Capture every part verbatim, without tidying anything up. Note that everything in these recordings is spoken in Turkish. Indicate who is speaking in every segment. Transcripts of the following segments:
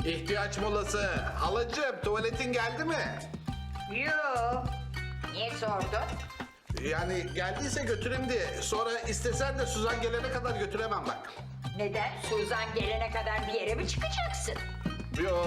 Speaker 1: İhtiyaç molası. Halacığım tuvaletin geldi mi?
Speaker 2: Yoo. Niye sordun?
Speaker 1: Yani geldiyse götüreyim diye. Sonra istesen de Suzan gelene kadar götüremem bak.
Speaker 2: Neden? Suzan gelene kadar bir yere mi çıkacaksın?
Speaker 1: Yo,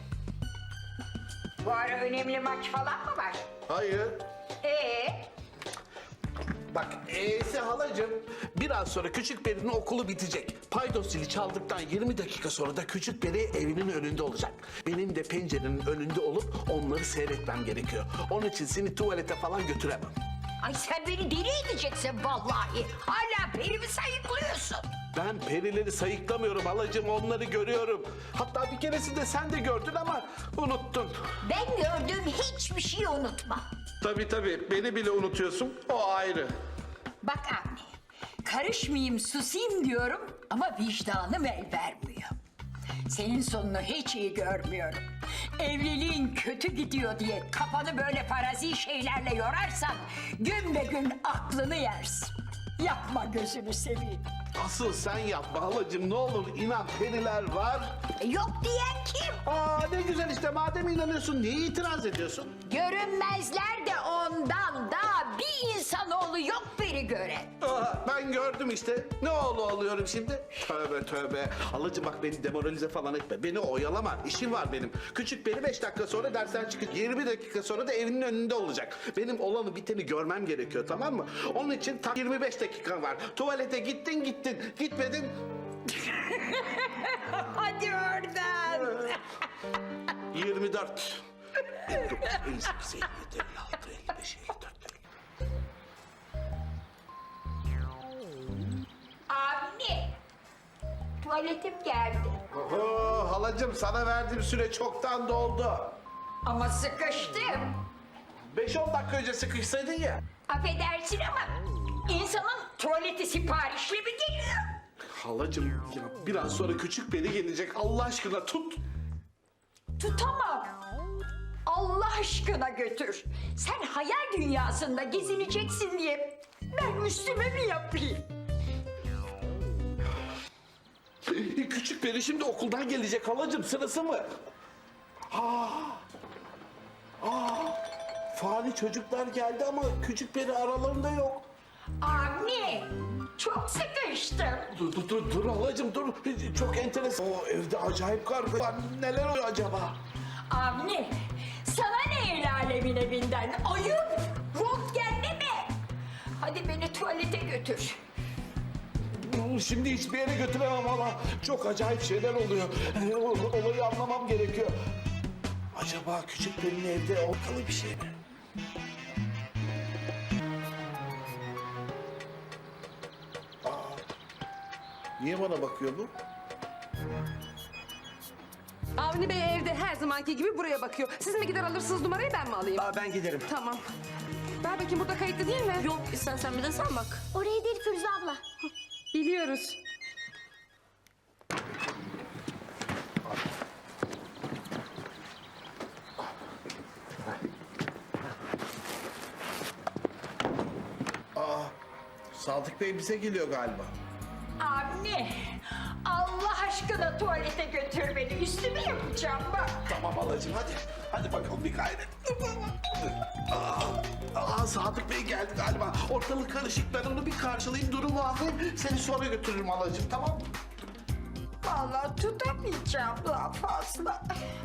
Speaker 2: Bu ara önemli maç falan mı var?
Speaker 1: hayır.
Speaker 2: Ee,
Speaker 1: Bak e'si halacığım. Biraz sonra Küçük Peri'nin okulu bitecek. Paydos zili çaldıktan yirmi dakika sonra da Küçük Peri evinin önünde olacak. Benim de pencerenin önünde olup onları seyretmem gerekiyor. Onun için seni tuvalete falan götüremem.
Speaker 2: ay sen beni deli edeceksin vallahi. Hala perimi sayıklıyorsun.
Speaker 1: Ben perileri sayıklamıyorum halacığım, onları görüyorum. Hatta bir keresinde sen de gördün ama unuttun.
Speaker 2: Ben gördüğüm hiçbir şeyi unutmam.
Speaker 1: Tabii tabii, beni bile unutuyorsun, o ayrı.
Speaker 2: Bak anne, karışmayayım, susayım diyorum ama vicdanım el vermiyor. Senin sonunu hiç iyi görmüyorum. Evliliğin kötü gidiyor diye kafanı böyle farazi şeylerle yorarsan gün be gün aklını yersin. Yapma gözünü seveyim.
Speaker 1: Asıl sen yapma halacığım, ne olur inan, periler var.
Speaker 2: E, yok diyen kim?
Speaker 1: Aa ne güzel işte, madem inanıyorsun niye itiraz ediyorsun?
Speaker 2: Görünmezler de ondan daha bir insanoğlu yok biri gören.
Speaker 1: Aa, ben gördüm işte, ne oğlu oluyorum şimdi? Tövbe tövbe. Halacığım bak beni demoralize falan etme, beni oyalama, işim var benim. Küçük beni beş dakika sonra dersten çıkıp yirmi dakika sonra da evinin önünde olacak. Benim olanı biteni görmem gerekiyor, tamam mı? Onun için tam yirmi beş dakika var. Tuvalete gittin gittin, gitmedin.
Speaker 2: Hadi oradan.
Speaker 1: yirmi dört. elli dokuz, elli sekiz, elli yedi, elli altı, elli beş, elli dört.
Speaker 2: Anne, tuvaletim geldi.
Speaker 1: Oho halacığım, sana verdiğim süre çoktan doldu.
Speaker 2: Ama sıkıştım.
Speaker 1: beş on dakika önce sıkışsaydın ya.
Speaker 2: Affedersin ama insanın tuvaleti siparişli mi geliyor?
Speaker 1: Halacığım ya biraz sonra küçük beni gelecek, Allah aşkına tut.
Speaker 2: Tutamam. Allah aşkına götür. Sen hayal dünyasında gezineceksin diye ben üstüme mi yapayım?
Speaker 1: Küçük beni şimdi okuldan gelecek halacığım, sırası mı? Aa, aa, fani çocuklar geldi ama küçük beni aralarında yok.
Speaker 2: Anne, çok sıkıştım.
Speaker 1: Dur dur dur, dur halacığım dur. Çok enteresan. O evde acayip karga var. Neler oluyor acaba?
Speaker 2: Anne, sana ne el alemin evinden? Ayıp, röntgenli mi? Hadi beni tuvalete götür.
Speaker 1: Şimdi hiçbir yere götüremem hala. Çok acayip şeyler oluyor. Ee, o- Olayı anlamam gerekiyor. Acaba küçük Peri'nin evde ortalı bir şey mi? Aa, niye bana bakıyor bu?
Speaker 3: Avni Bey evde her zamanki gibi buraya bakıyor. Siz mi gider alırsınız numarayı, ben mi alayım?
Speaker 4: Aa, ben giderim.
Speaker 3: Tamam. Ver bakayım, burada kayıtlı değil mi?
Speaker 4: Yok, istersen bir de sen bak.
Speaker 5: Orayı değil Firuze abla.
Speaker 3: Biliyoruz.
Speaker 1: Sadık Bey bize geliyor galiba.
Speaker 2: Anne, Allah aşkına tuvalete götür beni. Üstümü yapacağım bak.
Speaker 1: Tamam halacığım hadi. Hadi bakalım bir gayret. Aa, aa, Sadık Bey geldi galiba. Ortalık karışık. Ben onu bir karşılayayım, durumu anlayayım. Seni sonra götürürüm halacığım, tamam mı?
Speaker 2: Vallahi tutamayacağım daha fazla.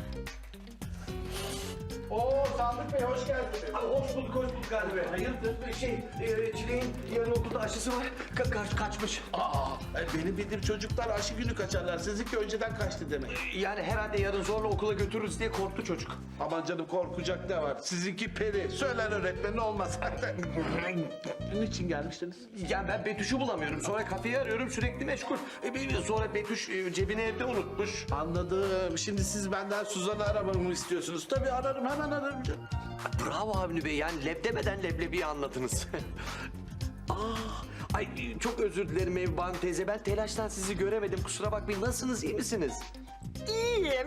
Speaker 1: Oo Sadık Bey hoş geldiniz.
Speaker 4: Hoş bulduk, hoş bulduk Gani Bey. Hayırdır? Şey, e, Çileğin yarın okulda aşısı var. Ka kaç kaçmış.
Speaker 1: Aa, e, benim bildiğim çocuklar aşı günü kaçarlar. Sizinki önceden kaçtı demek.
Speaker 4: Yani herhalde yarın zorla okula götürürüz diye korktu çocuk.
Speaker 1: Aman canım, korkacak ne var? Sizinki peri. Söyler öğretmenin olmaz. Niçin gelmiştiniz?
Speaker 4: Yani ben Betüş'ü bulamıyorum. Sonra kafeyi arıyorum, sürekli meşgul. E, bir- sonra Betüş e, cebini evde unutmuş.
Speaker 1: Anladım. Şimdi siz benden Suzan'ı aramamı istiyorsunuz. Tabii ararım, hemen ararım.
Speaker 4: Bravo Avni Bey, yani leb demeden leblebiyi anladınız. Ah, ay çok özür dilerim Evban teyze. Ben telaştan sizi göremedim. Kusura bakmayın. Nasılsınız, iyi misiniz?
Speaker 2: İyiyim.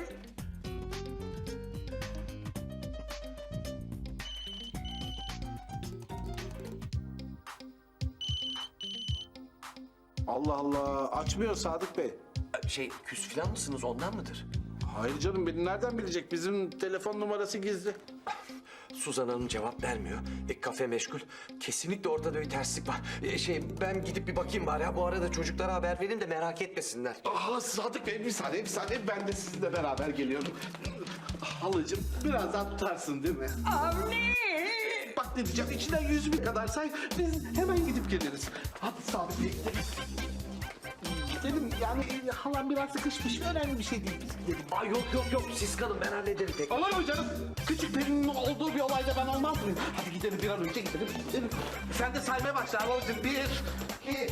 Speaker 1: Allah Allah. Açmıyor Sadık Bey.
Speaker 4: Şey, küs falan mısınız, ondan mıdır?
Speaker 1: Hayır canım, beni nereden bilecek? Bizim telefon numarası gizli.
Speaker 4: Suzan Hanım cevap vermiyor. E, kafe meşgul. Kesinlikle ortada bir terslik var. E, şey ben gidip bir bakayım bari. Ha, bu arada çocuklara haber verin de merak etmesinler.
Speaker 1: Aha Sadık Bey, bir saniye bir saniye, ben de sizinle beraber geliyorum. Halacığım biraz daha tutarsın değil mi?
Speaker 2: Avni!
Speaker 1: Bak ne diyeceğim, içinden yüz bin kadar say, biz hemen gidip geliriz. Hadi Sadık Bey gidelim. Gidelim yani, e, halam biraz sıkışmış, önemli bir şey değil, biz gidelim.
Speaker 4: Ay yok yok yok siz kalın ben hallederim tek.
Speaker 1: Olur mu canım? Küçük Pelin'in olduğu bir olayda ben olmaz mıyım? Hadi gidelim, bir an önce gidelim. gidelim. Sen de saymaya başla halacığım. Bir, iki,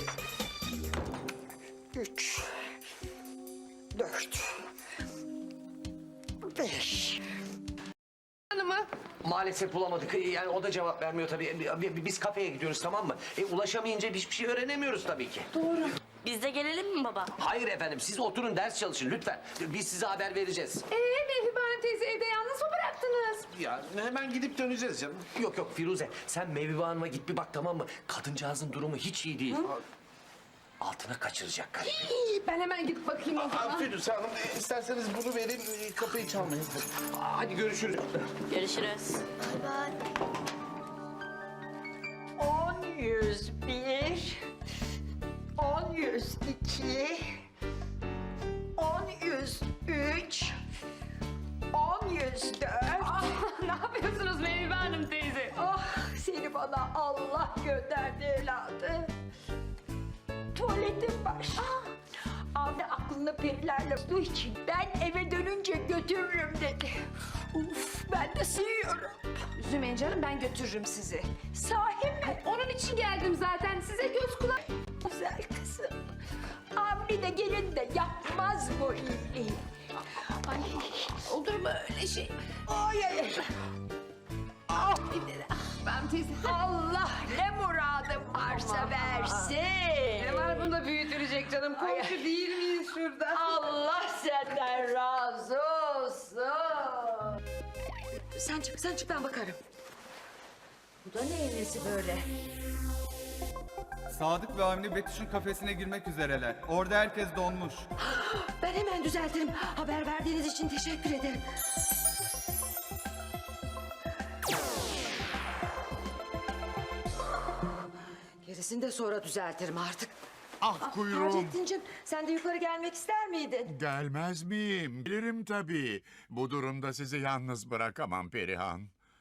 Speaker 2: Üç, dört, beş.
Speaker 3: Hanımı.
Speaker 4: Maalesef bulamadık. E, Yani o da cevap vermiyor tabii. E, bi- Biz kafeye gidiyoruz tamam mı? E, ulaşamayınca hiçbir şey öğrenemiyoruz tabii ki.
Speaker 5: Biz de gelelim mi baba?
Speaker 4: Hayır efendim siz oturun ders çalışın lütfen. Biz size haber vereceğiz.
Speaker 3: Ee, Mehriban Hanım teyze evde yalnız mı bıraktınız?
Speaker 1: ya hemen gidip döneceğiz canım.
Speaker 4: Yok yok Firuze sen Mevvibe Hanım'a git bir bak tamam mı? Kadıncağızın durumu hiç iyi değil. Altına kaçıracak galiba.
Speaker 3: Ben hemen gidip bakayım o zaman.
Speaker 1: Firuze Hanım, e, isterseniz bunu vereyim, e, kapıyı çalmayın.
Speaker 4: Hadi görüşürüz.
Speaker 5: Görüşürüz.
Speaker 2: On yüz bir, on yüz iki, on yüz üç, on yüz dört.
Speaker 3: Ah, ne yapıyorsunuz Mehriban Hanım teyze?
Speaker 2: Ah, seni bana Allah gönderdi evladı. Tuvaletim var. Avni aklını perilerle bulduğu için ben eve dönünce götürürüm dedi. Uf, ben de sığıyorum.
Speaker 3: Üzülmeyin canım ben götürürüm sizi.
Speaker 2: Sahi mi?
Speaker 3: Onun için geldim zaten size göz kulak.
Speaker 2: Güzel kızım. Avni de gelin de yapmaz bu iyiliği.
Speaker 3: Ay, olur mu öyle şey?
Speaker 2: Ay ay ay. Ah,
Speaker 3: Ben teyze.
Speaker 2: Allah ne muradım varsa versin.
Speaker 3: Ne var bunda büyütülecek canım? Komşu değil miyiz şurada?
Speaker 2: Allah senden razı olsun.
Speaker 3: Sen çık, sen çık ben bakarım. Bu da neyin nesi böyle?
Speaker 6: Sadık ve Avni Betüş'ün kafesine girmek üzereler. Orada herkes donmuş.
Speaker 3: Ben hemen düzeltirim. Haber verdiğiniz için teşekkür ederim. Gerisini de sonra düzeltirim artık.
Speaker 7: Ah kuyruğum.
Speaker 3: Taceddin'cim sen de yukarı gelmek ister miydin?
Speaker 7: Gelmez miyim? Gelirim tabii. Bu durumda sizi yalnız bırakamam Perihan.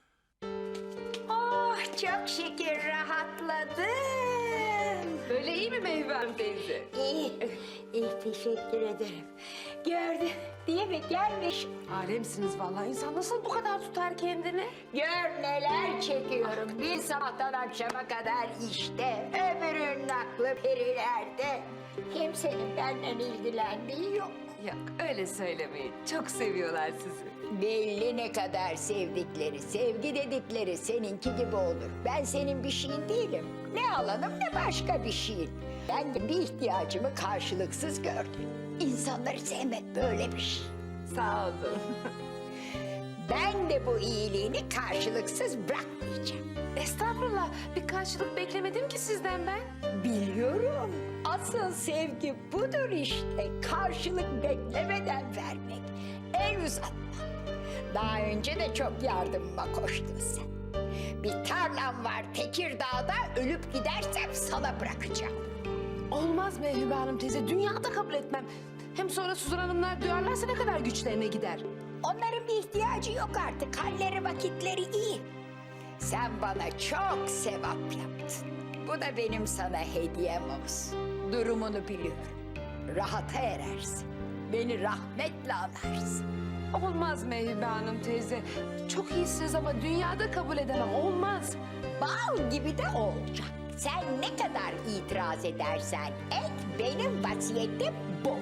Speaker 2: Oh çok şükür rahatladım.
Speaker 3: Böyle iyi mi Mehriban Hanım teyze?
Speaker 2: İyi, iyi teşekkür ederim. Gördün değil mi? Gelmiş.
Speaker 3: Alemsiniz vallahi. İnsan nasıl bu kadar tutar kendini?
Speaker 2: Gör neler çekiyorum. Bir sabahtan akşama kadar işte. Öbürünün aklı perilerde. Kimsenin benden ilgilendiği yok.
Speaker 3: Yok öyle söylemeyin. Çok seviyorlar sizi.
Speaker 2: Belli ne kadar sevdikleri, sevgi dedikleri seninki gibi olur. Ben senin bir şeyin değilim. Ne alanım ne başka bir şeyin. Ben de bir ihtiyacımı karşılıksız gördüm. İnsanları sevmek böyle bir şey.
Speaker 3: Sağ olun.
Speaker 2: Ben de bu iyiliğini karşılıksız bırakmayacağım.
Speaker 3: Estağfurullah. Bir karşılık beklemedim ki sizden ben.
Speaker 2: Biliyorum. Asıl sevgi budur işte. Karşılık beklemeden vermek. El uzatmak. Daha önce de çok yardımıma koştun sen. Bir tarlam var Tekirdağ'da, ölüp gidersem sana bırakacağım.
Speaker 3: Olmaz Mehriban Hanım teyze. Dünyada kabul etmem. Hem sonra Suzan Hanımlar duyarlarsa ne kadar güçlerine gider.
Speaker 2: Onların bir ihtiyacı yok artık. Halleri vakitleri iyi. Sen bana çok sevap yaptın. Bu da benim sana hediyem olsun. Durumunu biliyorum. Rahata erersin. Beni rahmetle anarsın.
Speaker 3: Olmaz Mehriban Hanım teyze. Çok iyisiniz ama dünyada kabul edemem. Olmaz.
Speaker 2: Bal gibi de olacak. Sen ne kadar itiraz edersen et, benim vasiyetim bu.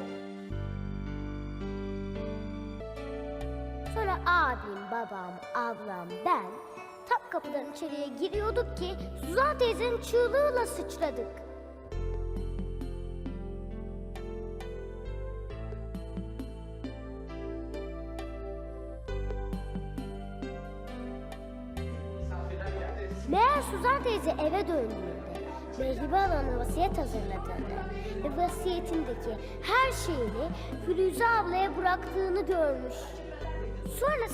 Speaker 8: Sonra abim, babam, ablam, ben tam kapıdan içeriye giriyorduk ki Suzan teyzenin çığlığıyla sıçradık. Meğer Suzan teyze eve döndüğünde Mehriban Hanım'a vasiyet hazırladığını ve ve vasiyetindeki her şeyini Firuze ablaya bıraktığını görmüş. Sonra